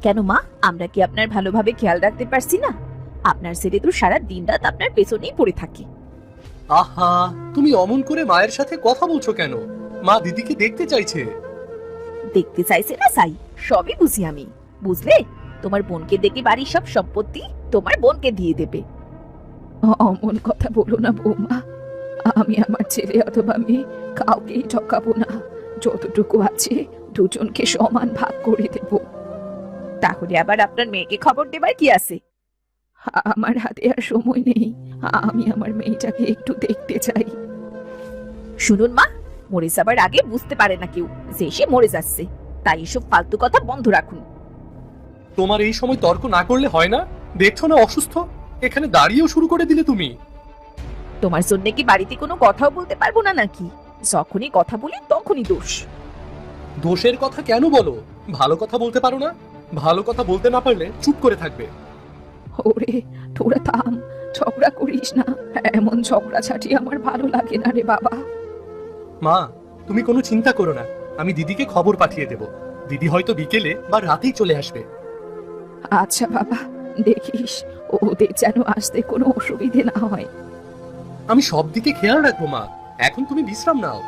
কেন মা, আমরা কি আপনার ভালোভাবে খেয়াল রাখতে পারছি না? আপনার ছেলে তো সারা দিন রাত আপনার পেছনেই পড়ে থাকে। আহা, তুমি অমন করে মায়ের সাথে কথা বলছো কেন? মা দিদিকে দেখতে চাইছে। দেখতে চাইছে না চাই, সবই বুঝি আমি। বুঝলে, তোমার বোনকে দেখে বাড়ির সব সম্পত্তি তোমার বোনকে দিয়ে দেবে। অমন কথা বলো না বৌমা, আমি আমার ছেলে অথবা মেয়ে কাউকেই ঠকাবো না। যতটুকু আছে দুজনকে সমান ভাগ করে দেব। তাহলে আবার আপনার মেয়েকে খবর দেবার কি আছে? আমার হাতে আর সময় নেই, আমি আমার মেয়েটাকে একটু দেখতে চাই। শুনুন মা, মরে যাবার আগে বুঝতে পারে না কেউ যে সে মরে যাচ্ছে, তাই এসব ফালতু কথা বন্ধ রাখুন। তোমার এই সময় তর্ক না করলে হয় না? দেখছো না অসুস্থ, এখানে দাঁড়িয়েও শুরু করে দিলে তুমি। তোমার জন্য কি বাড়িতে কোনো কথাও বলতে পারবো না নাকি? যখনই কথা বলি তখনই দোষ। দোষের কথা কেন বলো? ভালো কথা বলতে পারো না? ভালো কথা বলতে না পারলে চুপ করে থাকবে। ওরে তোরা থাম, ঝগড়া করিস না। এমন ঝগড়াঝাটি আমার ভালো লাগে না রে বাবা। মা, তুমি কোনো চিন্তা করো না, আমি দিদিকে খবর পাঠিয়ে দেব। দিদি হয়তো বিকেলে বা রাতেই চলে আসবে। আচ্ছা বাবা, দেখিস ওদের যেন আসতে কোনো অসুবিধে না হয়। আমি সব দিকে খেয়াল রাখবো মা, এখন তুমি বিশ্রাম নাও।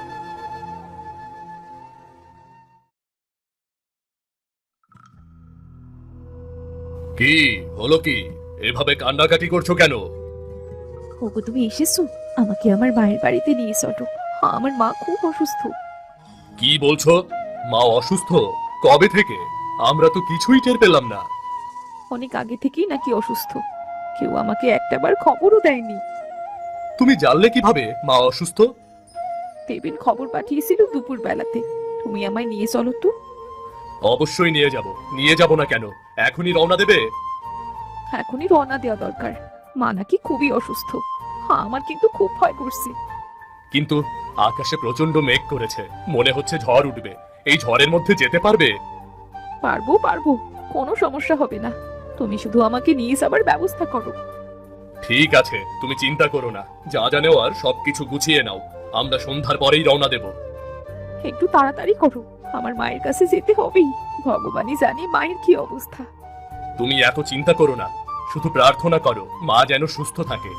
কি হলো? কি এভাবে কান্নাকাটি করছো কেন? ওগো তুমি এসেছো, আমাকে আমার মায়ের বাড়িতে নিয়ে চলো। আমার মা খুব অসুস্থ। কি বলছো? মা অসুস্থ? কবে থেকে? আমরা তো কিছুই টের পেলাম না। অনেক আগে থেকেই নাকি অসুস্থ, কেউ আমাকে একটাবার খবরও দেয়নি। তুমি জানলে কিভাবে মা অসুস্থ? দেবেন খবর পাঠিয়েছিল দুপুর বেলাতে। তুমি আমায় নিয়ে চলো তো। অবশ্যই নিয়ে যাব, নিয়ে যাব না কেন? এখনই রওনা দেবে? এখনই রওনা দেওয়া দরকার, মা নাকি খুবই অসুস্থ। আমার কিন্তু খুব ভয় করছে। কিন্তু আকাশে প্রচন্ড মেঘ করেছে, মনে হচ্ছে ঝড় উঠবে। এই ঝড়ের মধ্যে যেতে পারবে? পারবো পারবো, কোনো সমস্যা হবে না। তুমি শুধু আমাকে নিয়ে যাবার ব্যবস্থা করো। ঠিক আছে, তুমি চিন্তা করো না, যা যা নেওয়ার সবকিছু গুছিয়ে নাও। আমরা সন্ধ্যার পরেই রওনা দেব। একটু তাড়াতাড়ি করো, আমার মায়ের কাছে যেতে হবেই। ভগবানই জানে মায়ের কি অবস্থা। তুমি এত চিন্তা করো না, শুধু প্রার্থনা করো মা যেন সুস্থ থাকে।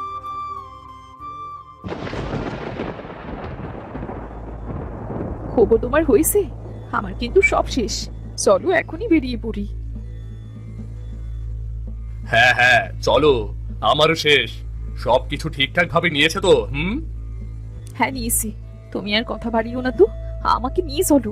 খবর তোমার হয়েছে? আমার কিন্তু সব শেষ। চলো এখনই বেরিয়ে পড়ি। হ্যাঁ হ্যাঁ, চলো। আমারও শেষ। সবকিছু ঠিকঠাক ভাবে নিয়েছে তো? হ্যাঁ নিয়েছি, তুমি আর কথা বাড়িও না তো, আমাকে নিয়ে চলো।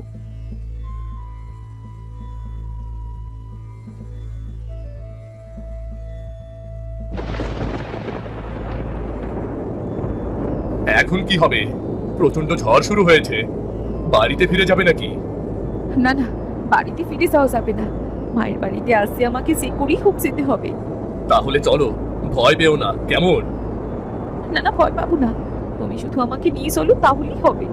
এখন কি হবে? প্রচন্ড ঝড় শুরু হয়েছে, বাড়িতে ফিরে যাবে নাকি? না না, বাড়িতে ফিরে যাওয়া যাবে না। মায়ের বাড়িতে আসতে আমাকে যে করেই হোক যেতে হবে। তাহলে চলো, ভয় পেও না, কেমন? না না, ভয় পাবো না। তুমি শুধু আমাকে নিয়ে চলো, তাহলেই হবে।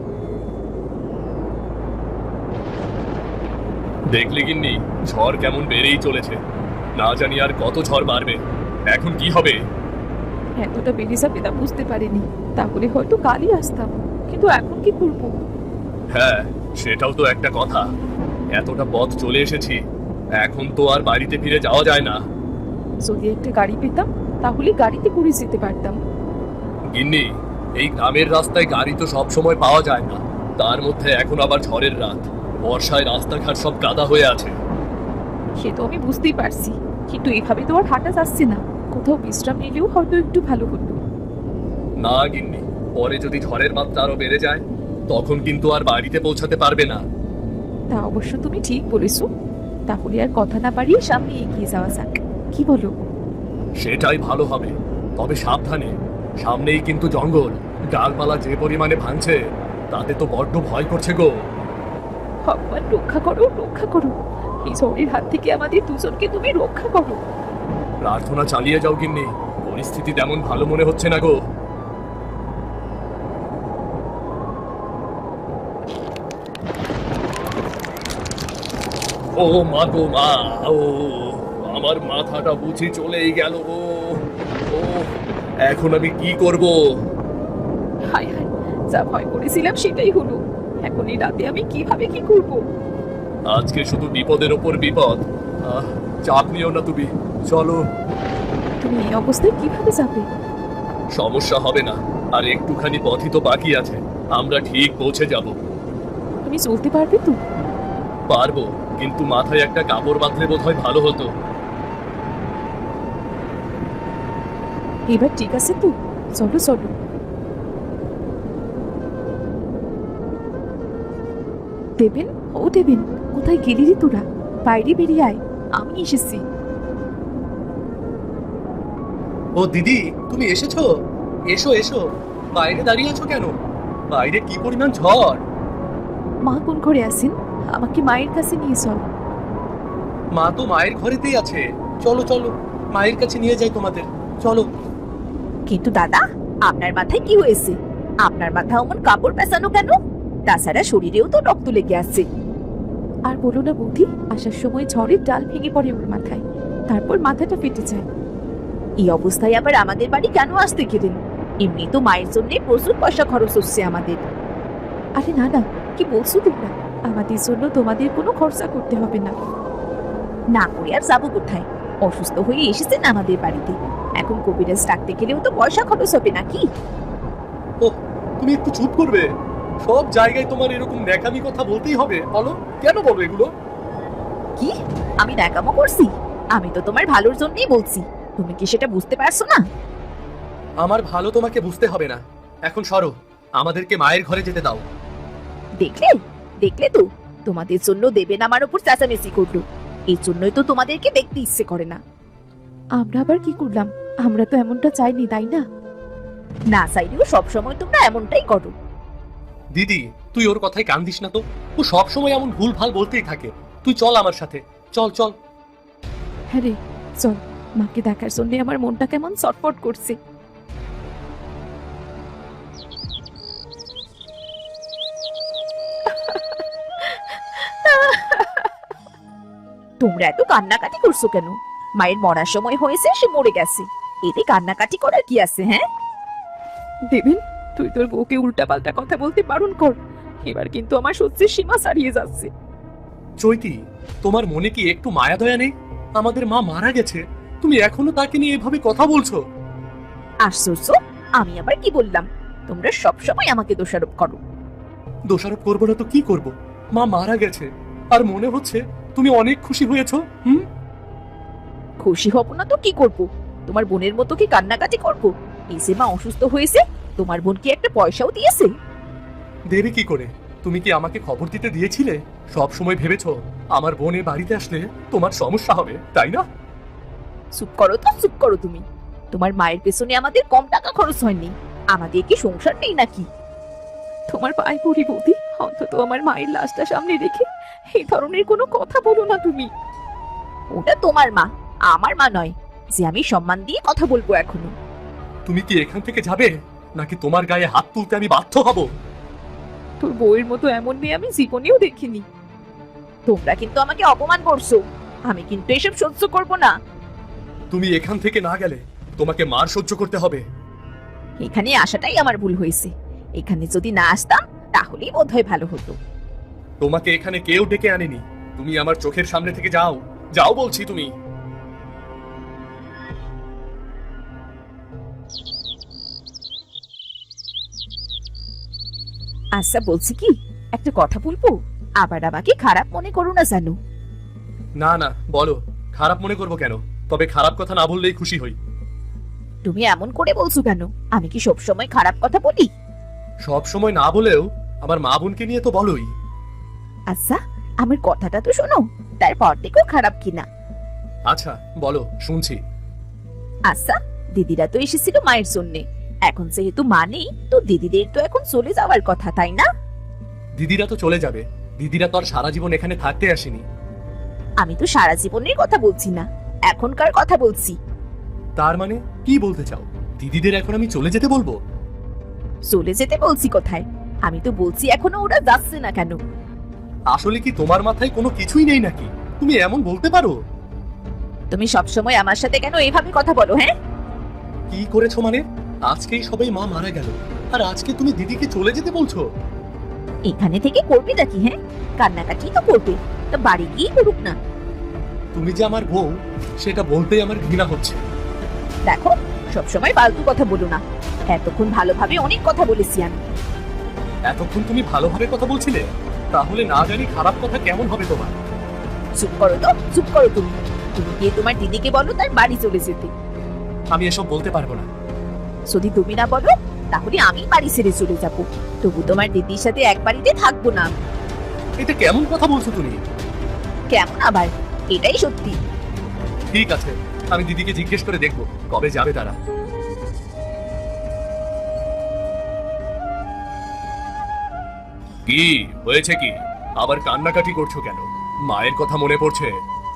দেখলে গিন্নি, ঝড় কেমন বেড়েই চলেছে। না জানি আর কত ঝড় বাড়বে। এখন কি হবে? এতটা বেড়ে যাবে তা বুঝতে পারিনি, তাহলে হয়তো কালই আসতাম। কিন্তু এখন কি করবো? হ্যাঁ, সেটাও তো একটা কথা। এতটা পথ চলে এসেছি, এখন তো আর বাড়িতে ফিরে যাওয়া যায় না। যদি একটা গাড়ি পেতাম, তাহলে গাড়িতে করে যেতে পারতাম। গিন্নি, এই গ্রামের রাস্তায় গাড়ি তো সব সময় পাওয়া যায় না। তার মধ্যে এখন আবার ঝড়ের রাত, বর্ষায় রাস্তাঘাট সব কাদা হয়ে আছে। সে তো আমি বুঝতেই পারছি, কিন্তু এভাবে তো আর হাঁটা যাচ্ছে না। কোথাও বিশ্রাম নিলেও হয়তো একটু ভালো হতো। না গিন্নি, পরে যদি ঝড়ের মাত্রা আরো বেড়ে যায়, তখন কিন্তু আর বাড়িতে পৌঁছাতে পারবে না। তা অবশ্য তুমি ঠিক বলেছো। তাহলে আর কথা না বাড়িয়ে সামনে এগিয়ে যাওয়া যাক, কি বলো? সেটাই ভালো হবে, তবে সাবধানে। সামনেই কিন্তু জঙ্গল, ডালপালা যে পরিমাণে ভাঙছে, তাতে তো বড্ড ভয় করছে গো। ভগবান রক্ষা করো, রক্ষা করো। এই ঝড়ের হাত থেকে আমাদের দুজনকে তুমি রক্ষা করো। প্রার্থনা চালিয়ে যাও গিন্নি, পরিস্থিতি তেমন ভালো মনে হচ্ছে না গো। ও মা গো মা, ও আমার মাথাটা বুঝি চলেই গেল গো। ও, এখন আমি কি করব? হায় হায়, যা ভয় করেছিলাম সেটাই হলো। এখন এই রাতে আমি কিভাবে কি করব? আজকে শুধু বিপদের ওপর বিপদ। আহ, চাপ নিও না তুমি, চলো। তুমি এই অবস্থায় কিভাবে যাবে? সমস্যা হবে না, আর একটুখানি পথই তো বাকি আছে, আমরা ঠিক পৌঁছে যাব। তুমি চলতে পারবে তো? পারবো, কিন্তু মাথায় একটা কাপড় বাঁধলে বোধহয় ভালো হতো। এবার ঠিক আছে তো, চলো চলো। দেবেন, ও দেবেন, কোথায় গেলি রে তোরা? বাইরে বেরিয়ে আয়, আমি এসেছি। ও দিদি, তুমি এসেছো? এসো এসো, বাইরে দাঁড়িয়ে আছো কেন? বাইরে কি পরিমাণ ঝড়! মা কোন ঘরে আছেন? আমাকে মায়ের কাছে নিয়ে চল। মা তো মায়ের ঘরেতেই আছে, চলো চলো, মায়ের কাছে নিয়ে যাই তোমাদের, চলো। কিন্তু দাদা, আপনার মাথায় কি হয়েছে? আপনার মাথা অমন কাপড় পেঁচানো কেন? তাছাড়া শরীরেও তো রক্ত লেগে আছে। আর বলো না বৌদি, আসার সময় ঝড়ের ডাল ভেঙে পড়ে ওর মাথায়, তারপর মাথাটা ফেটে যায়। এই অবস্থায় আবার আমাদের বাড়ি কেন আসতে গেলেন? এমনি তো মায়ের জন্য প্রচুর পয়সা খরচ হচ্ছে আমাদের। আরে না না, কি বলছো তোমরা? আমাদের জন্য তোমাদের কোনো খরচা করতে হবে না। না করে আর যাবো কোথায়? অসুস্থ হয়ে এসেছেন আমাদের বাড়িতে, এখন কবিরাজ ডাকতে গেলেও তো পয়সা খরচ হবে নাকি? ও, তুমি একটু চুপ করবে? সব জায়গায় তোমার এরকম ন্যাকামি কথা বলতেই হবে? বলো, কেন বলো এগুলো? কি? আমি ন্যাকামো করছি? আমি তো তোমার ভালোর জন্যই বলছি, তুমি কি সেটা বুঝতে পারছো না? আমার ভালো তোমাকে বুঝতে হবে না, এখন সরো, আমাদেরকে মায়ের ঘরে যেতে দাও। দেখলে, দেখলে তো, তোমাদের জন্য দেবেন আমার উপর চেঁচামেচি করলো, এই জন্যই তো তোমাদেরকে দেখতে ইচ্ছে করে না। আমরা আবার কি করলাম? আমরা তো এমনটা চাইনি, তাই না? না চাইলেও সবসময় তোমরা এমনটাই করো। দিদি, তুই ওর কথায় কান দিস না তো, ও সব সময় এমন ভুল ভাল বলতেই থাকে। তুই চল আমার সাথে, চল চল। হ্যাঁ রে, চল। মাকে দেখার জন্য আমার মনটা কেমন ছটফট করছে। তোমরা এত কান্নাকাটি করছো কেন? মায়ের মরার সময় হয়েছে, সে মরে গেছে, এতে কান্নাকাটি করার কি আছে? হ্যাঁ দেবেন, তুই তোর বউকে উল্টাপাল্টা কথা বলতে বারণ কর, এবার কিন্তু আমার সহ্যের সীমা ছাড়িয়ে যাচ্ছে। চৈতি, তোমার মনে কি একটু মায়া দয়া নেই? আমাদের মা মারা গেছে, তুমি এখনো তাকে নিয়ে এভাবে কথা বলছো? আশ্চর্য, আমি আবার কি বললাম? তোমরা সব সময় আমাকে দোষারোপ করো। দোষারোপ করবো না তো কি করব? মা মারা গেছে, আর মনে হচ্ছে তুমি অনেক খুশি হয়েছো। খুশি হব না তো কি করব? তোমার বোনের মতো কি কান্নাকাটি করব? এই যে মা অসুস্থ হয়েছে, তোমার বোন কি একটা পয়সাও দিয়েছে? দেবে কি করে? তুমি কি আমাকে খবর দিতে দিয়েছিলে? সব সময় ভেবেছো আমার বোন এ বাড়িতে আসলে তোমার সমস্যা হবে, তাই না? চুপ করো তো, চুপ করো তুমি। তোমার মায়ের পেছনে আমাদের কম টাকা খরচ হয়নি, আমাদের কি সংসার নেই নাকি? তোমার পায়ে পড়ি বৌদি, অন্তত আমার মায়ের লাশটা সামনে রেখে এই ধরনের কোনো কথা বলো না তুমি। ওটা তোমার মা, আমার মা নয়, যে আমি সম্মান দিয়ে কথা বলবো এখনো। তুমি কি এখান থেকে যাবে, নাকি তোমার গায়ে হাত তুলতে আমি বাধ্য হব? তোর বউয়ের মতো এমন মেয়ে আমি জীবনেও দেখিনি। তোমরা কিন্তু আমাকে অপমান করছো, আমি কিন্তু এসব সহ্য করব না। তুমি এখান থেকে না গেলে তোমাকে মার সহ্য করতে হবে। এখানে আসাটাই আমার ভুল হয়েছে, এখানে যদি না আসতাম তাহলেই বোধহয় ভালো হতো। তোমাকে এখানে কেউ ডেকে আনেনি, তুমি আমার চোখের সামনে থেকে যাও, যাও বলছি। তুমি আচ্ছা বলছি কি, একটা কথা বলবো, আবার আমাকে খারাপ মনে করো না জানো। না না, বলো, খারাপ মনে করবো কেন? তবে খারাপ কথা না বললেই খুশি হই। তুমি এমন করে বলছো কেন? আমি কি সবসময় খারাপ কথা বলি? সব সময় না বলেও আমার মা বোনকে নিয়ে তো বলোই। আচ্ছা, আমার কথাটা তো শোনো, তারপর দেখো খারাপ কিনা। আচ্ছা বলো, শুনছি। আচ্ছা, দিদিরা তো এসেছিল মায়ের জন্যে, এখন যেহেতু মা নেই, তো দিদিদের তো এখন চলে যাওয়ার কথা, তাই না? দিদিরা তো চলে যাবে, দিদিরা তো আর সারা জীবন এখানে থাকতে আসেনি। আমি তো সারা জীবনের কথা বলছি না, এখনকার কথা বলছি। তার মানে কি বলতে চাও? দিদিদের এখন আমি চলে যেতে বলবো? চলে যেতে বলছি কোথায়? আমি তো বলছি এখনো ওরা যাচ্ছে না কেন। আসলে কি তোমার মাথায় কোনো কিছুই নেই নাকি? তুমি এমন বলতে পারো? তুমি সবসময় আমার সাথে কেন এভাবে কথা বলো? হ্যাঁ, কি করেছো মানে? আজকেই সবাই মা মারা গেল, আর আজকে তুমি দিদিকে চলে যেতে বলছো? এখানে থেকে করবে নাকি? হ্যাঁ, কান্নাকাটি তো করবে, তা বাড়ি গিয়ে করুক না। তুমি যে আমার বউ সেটা বলতেই আমার ঘৃণা হচ্ছে। দেখো, সবসময় ফালতু কথা বলো না। এতক্ষণ ভালোভাবে অনেক কথা বলেছি আমি। এতক্ষণ তুমি ভালোভাবে কথা বলছিলে, তাহলে না জানি খারাপ কথা কেমন হবে তোমার। চুপ করো তো, চুপ করো তুমি। তুমি গিয়ে তোমার দিদিকে বলো তার বাড়ি চলে যেতে। আমি এসব বলতে পারবো না। যদি তুমি না বলো তাহলে আমি বাড়ি ছেড়ে চলে যাবো। তবু তোমার দিদির সাথে এক বাড়িতে থাকবো না আমি। এটা কেমন কথা বলছো তুমি? কেমন আবার? এটাই সত্যি। ঠিক আছে, আমি দিদিকে জিজ্ঞেস করে দেখবো কবে যাবে তারা। কি হয়েছে? কি আবার কান্নাকাটি করছো কেন? মায়ের কথা মনে পড়ছে?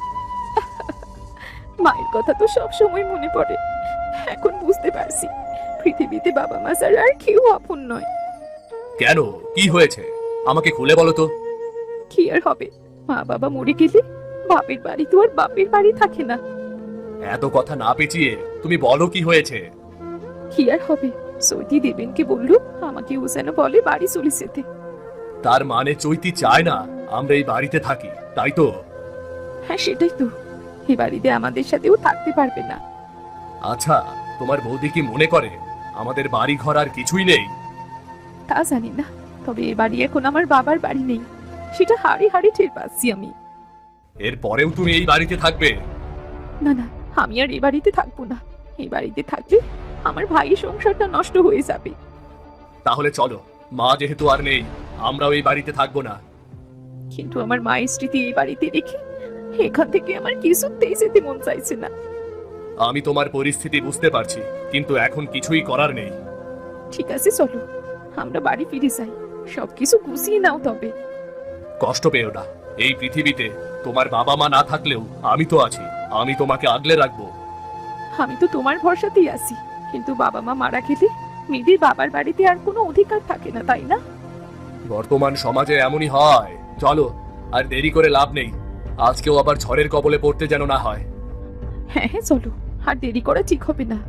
মায়ের কথা তো সব সময় মনে পড়ে। এখন বুঝতে পারছি পৃথিবীতে বাবা মা ছাড়া আর কেউ আপন নয়। কেন, কি হয়েছে আমাকে খুলে বলো তো। কি আর হবে, মা বাবা মরে গেলে বাপের বাড়ি তো আর বাপের বাড়ি থাকে না। এত কথা না পেঁচিয়ে তুমি বলো কি হয়েছে। কি আর হবে, সৈতি দেবেনকে বললো আমাকে ও যেন বলে বাড়ি চলে যেতে। তার মানে চৈতি চায় না আমরা এই বাড়িতে থাকি, তাই তো? হ্যাঁ সেটাই তো, এই বাড়িতে আমাদের সাথেও থাকতে পারবে না। আচ্ছা, তোমার বৌদি কি মনে করে আমাদের বাড়ি ঘর আর কিছুই নেই? তা জানি না, তবে এ বাড়ি এখন আমার বাবার বাড়ি নেই, সেটা হাড়ে হাড়ে টের পাচ্ছি আমি। এর পরেও তুমি এই বাড়িতে থাকবে? না না, আমি আর এই বাড়িতে থাকবো না। এই বাড়িতে থাকলে আমার ভাইয়ের সংসারটা নষ্ট হয়ে যাবে। তাহলে চলো, মা যেহেতু আর নেই আমরাও এই বাড়িতে থাকবো না। কিন্তু আমার মায়ের স্মৃতি এই বাড়িতে রেখে এখান থেকে আমার কিছুতেই যেতে মন চাইছে না। আমি তোমার পরিস্থিতি বুঝতে পারছি, কিন্তু এখন কিছুই করার নেই। ঠিক আছে চলো, আমরা বাড়ি ফিরে যাই। সবকিছু গুছিয়ে নাও তবে। কষ্ট পেও না, এই পৃথিবীতে তোমার বাবা মা না থাকলেও আমি তো আছি, আমি তোমাকে আগলে রাখবো। আমি তো তোমার ভরসাতেই আছি, কিন্তু বাবা মা মারা গেলে মেয়েদের বাবার বাড়িতে আর কোনো অধিকার থাকে না, তাই না? বর্তমান সমাজে এমনই হয়। চলো, আর দেরি করে লাভ নেই, আজকেও আবার ঝড়ের কবলে পড়তে যেন না হয়। হ্যাঁ হ্যাঁ চলো, আর দেরি করা ঠিক হবে না।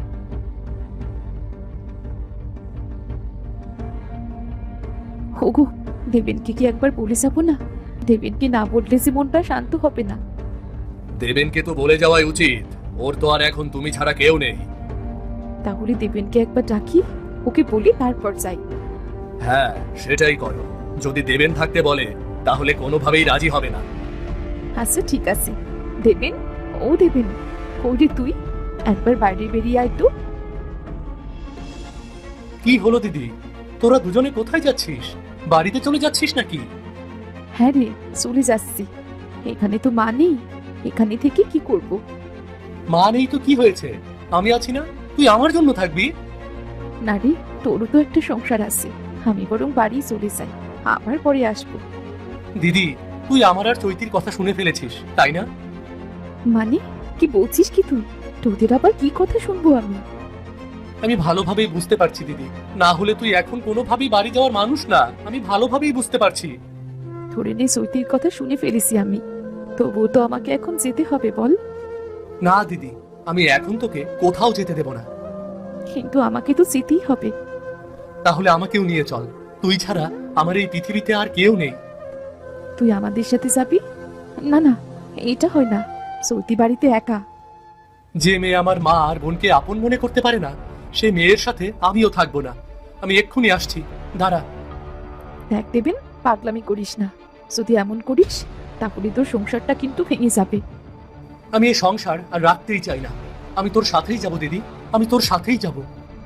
ওগো, দেবেনকে কি একবার বলে যাবো না? দেবেনকে না বললে যে মনটা শান্ত হবে না। দেবেনকে তো বলে যাওয়াই উচিত, ওর তো আর এখন তুমি ছাড়া কেউ নেই। তাহলে দেবেনকে একবার ডাকি, ওকে বলি তারপর যাই। হ্যাঁ, সেটাই করো। যদি দেবেন থাকতে বলে তাহলে কোনোভাবেই রাজি হবে না। আচ্ছা ঠিক আছে। দেবেন, ও দেবেন, কই রে তুই? একবার বাইরে বেরিয়ে আয় তো। কি হলো দিদি, তোরা দুজনে কোথায় যাচ্ছিস? বাড়িতে চলে যাচ্ছিস নাকি? হ্যাঁ রে, চলে যাচ্ছি। এখানে তো মা নেই, এখানে থেকে কি করব? মা নেই তো কি হয়েছে, আমি আছি না, তুই আমার জন্য থাকবি। না রে, তোরও তো একটা সংসার আছে। আমি বরং বাড়ি চলে যাই, আবার পরে আসবো। দিদি, তুই আমার আর চৈতির কথা শুনে ফেলেছিস, তাই না? মানে কি বলছিস কি তুই? তোদের আবার কি কথা শুনবো আমি? আমি ভালোভাবেই বুঝতে পারছি দিদি, না হলে তুই এখন কোনোভাবেই বাড়ি যাওয়ার মানুষ না, আমি ভালোভাবেই বুঝতে পারছি। ধরে নে সৈতির কথা শুনে ফেলেছি আমি, তবুও তো আমাকে এখন যেতে হবে বল। না দিদি, আমি এখন তোকে কোথাও যেতে দেব না। কিন্তু আমাকে তো যেতেই হবে। তাহলে আমাকেও নিয়ে চল, তুই ছাড়া আমার এই পৃথিবীতে আর কেউ নেই। তুই আমাদের সাথে যাবি? না না, এটা হয় না। সৌতি বাড়িতে একা। যে মেয়ে আমার মা আর বোনকে আপন মনে করতে পারে না, সে মেয়ের সাথে আমিও থাকবো না। আমি এক্ষুনি আসছি, দাঁড়া। দেখ দেবেন, পাগলামি করিস না। যদি এমন করিস তাহলে তোর সংসারটা কিন্তু ভেঙে যাবে। আমি এই সংসার আর রাখতেই চাই না, আমি তোর সাথেই যাব দিদি, আমি তোর সাথেই যাব।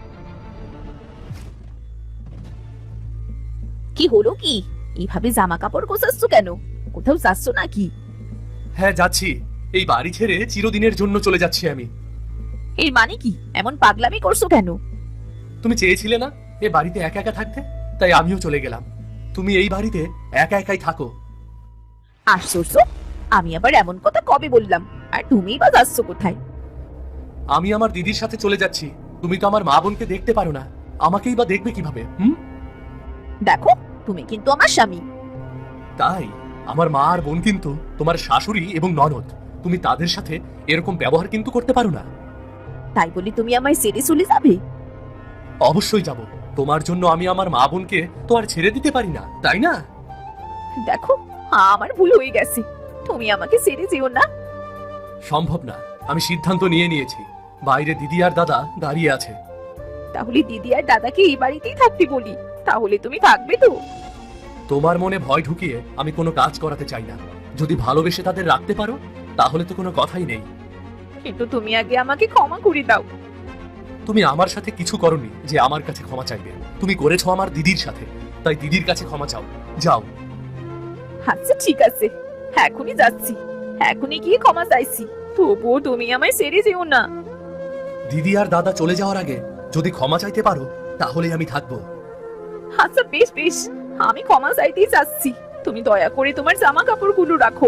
কি হলো কি? এইভাবে জামা কাপড় গোছাচ্ছ কেন? কোথাও যাচ্ছ নাকি? হ্যাঁ যাচ্ছি, এই বাড়ি ছেড়ে চিরদিনের জন্য চলে যাচ্ছি আমি। এর মানে কি? এমন পাগলামি করছো কেন? তুমি চেয়েছিলে না এ বাড়িতে একা একা থাকতে, তাই আমিও চলে গেলাম। তুমি এই বাড়িতে একা একাই থাকো। আশ্চর্য, আমি আবার এমন কথা কবে বললাম? আর তুমিই বা যাচ্ছ কোথায়? আমি আমার দিদির সাথে চলে যাচ্ছি। তুমি তো আমার মা বোনকে দেখতে পারো না, আমাকেই বা দেখবে কিভাবে? দেখো, তুমি কিন্তু আমার স্বামী। তাই আমার মা আর বোন কিন্তু তোমার শাশুড়ি এবং ননদ, তুমি তাদের সাথে এরকম ব্যবহার কিন্তু করতে পারো না। তাই বলি তুমি আমায় ছেড়ে চলে যাবে? অবশ্যই যাব, তোমার জন্য আমি আমার মা বোনকে তো আর ছেড়ে দিতে পারি না, তাই না? দেখো, আমার ভুল হয়ে গেছে। তুমি আমাকে ছেড়ে যেও না। সম্ভব না, আমি সিদ্ধান্ত নিয়ে নিয়েছি। বাইরে দিদি আর দাদা দাঁড়িয়ে আছে। তাহলে দিদি আর দাদাকে এই বাড়িতেই থাকতে বলি, তাহলে তুমি থাকবে তো? তোমার মনে ভয় ঢুকিয়ে আমি কোনো কাজ করাতে চাই না। যদি ভালোবেসে তাদের রাখতে পারো তাহলে তো কোনো কথাই নেই। কিন্তু তুমি আগে আমাকে ক্ষমা করে দাও। তুমি আমার সাথে কিছু করনি যে আমার কাছে ক্ষমা চাইবে। তুমি করেছো আমার দিদির সাথে, তাই দিদির কাছে ক্ষমা চাও। যাও। আচ্ছা ঠিক আছে, এখনই যাচ্ছি, এখনই গিয়ে ক্ষমা চাইছি। তবুও তুমি আমায় ছেড়ে যেও না। দিদি আর দাদা চলে যাওয়ার আগে যদি ক্ষমা চাইতে পারো তাহলে আমি থাকবো। আচ্ছা বেশ বেশ, আমি ক্ষমা চাইতেই চাচ্ছি। তুমি দয়া করে তোমার জামা কাপড়গুলো রাখো।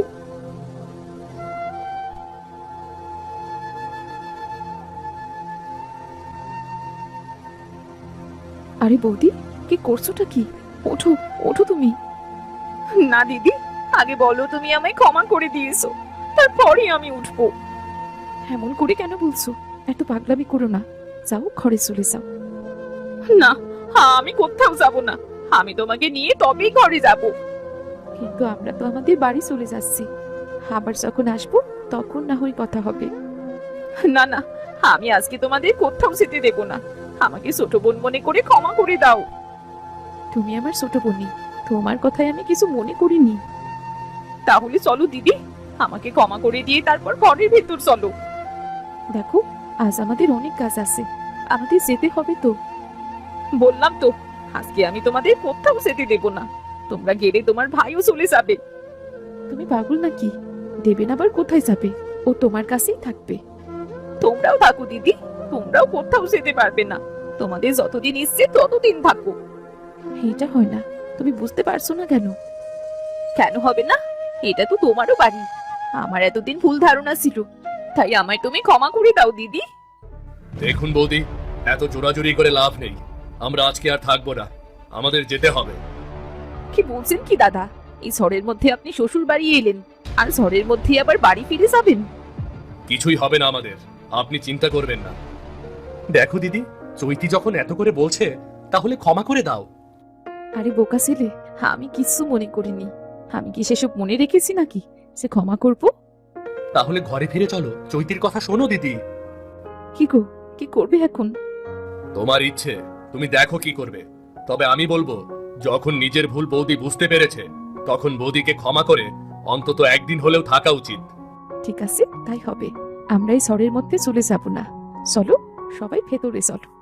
আরে বৌদি, কি করছোটা কি? ওঠো ওঠো তুমি। না দিদি, আগে বলো তুমি আমায় ক্ষমা করে দিয়েছো, তারপরে আমি উঠবো। এমন করে কেন বলছো? এত পাগলামি করো না, যাও ঘরে চলে যাও। না, আমি কোথাও যাব না, আমি তোমাকে নিয়ে তবেই ঘরে যাব। কিন্তু আমরা তো আমাদের বাড়ি চলে যাচ্ছি, আবার যখন আসবো তখন না হয় কথা হবে। না না, আমি আজকে তোমাদের কোথাও যেতে দেব না। আমাকে ছোট বোন মনে করে ক্ষমা করে দাও। তুমি আমার ছোট বোনই, তোমার কথায় আমি কিছু মনে করিনি। তাহলে চলো দিদি, আমাকে ক্ষমা করে দিয়ে তারপর ঘরের ভেতর চলো। দেখো, আজ আমাদের অনেক কাজ আছে, আমাদের যেতে হবে তো। বললাম তো, আজকে আমি তোমাদের কোথাও যেতে দেব না। তোমরা গেলে তোমার ভাইও চলে যাবে। তুমি পাগল নাকি? দেবেন আবার কোথায় যাবে? ও তোমার কাছেই থাকবে। তোমরাও থাকো দিদি, তোমরাও কোথাও যেতে পারবে না। তোমাদের যতদিন ইচ্ছে ততদিন থাকো। এটা হয় না, তুমি বুঝতে পারছো না কেন? কেন হবে না? এটা তো তোমারও বাড়ি। আমার এতদিন ভুল ধারণা ছিল, তাই আমায় তুমি ক্ষমা করে দাও দিদি। দেখুন বৌদি, এত জোরাজুরি করে লাভ নেই। আমরা আজকে আর থাকবো না, আমাদের যেতে হবে। কি বলছেন কি দাদা? এই ঝড়ের মধ্যে আপনি শ্বশুর বাড়ি এলেন, আর ঝড়ের মধ্যে আবার বাড়ি ফিরে যাবেন? কিছুই হবে না আমাদের, আপনি চিন্তা করবেন না। দেখো দিদি, চৈতি যখন এত করে বলছে তাহলে ক্ষমা করে দাও। আরে বোকা ছেলে, আমি কিছু মনে করিনি। আমি কি সেসব মনে রেখেছি নাকি সে ক্ষমা করব? তাহলে ঘরে ফিরে চলো, চৈতির কথা শোনো দিদি। কি গো, কি করবে এখন? তোমার ইচ্ছে, তুমি দেখো কি করবে। তবে আমি বলবো, যখন নিজের ভুল বৌদি বুঝতে পেরেছে তখন বৌদিকে ক্ষমা করে অন্তত একদিন হলেও থাকা উচিত। ঠিক আছে, তাই হবে। আমরা এই ঝড়ের মধ্যে চলে যাব না। চলো, সবাই ভেতরে চলো।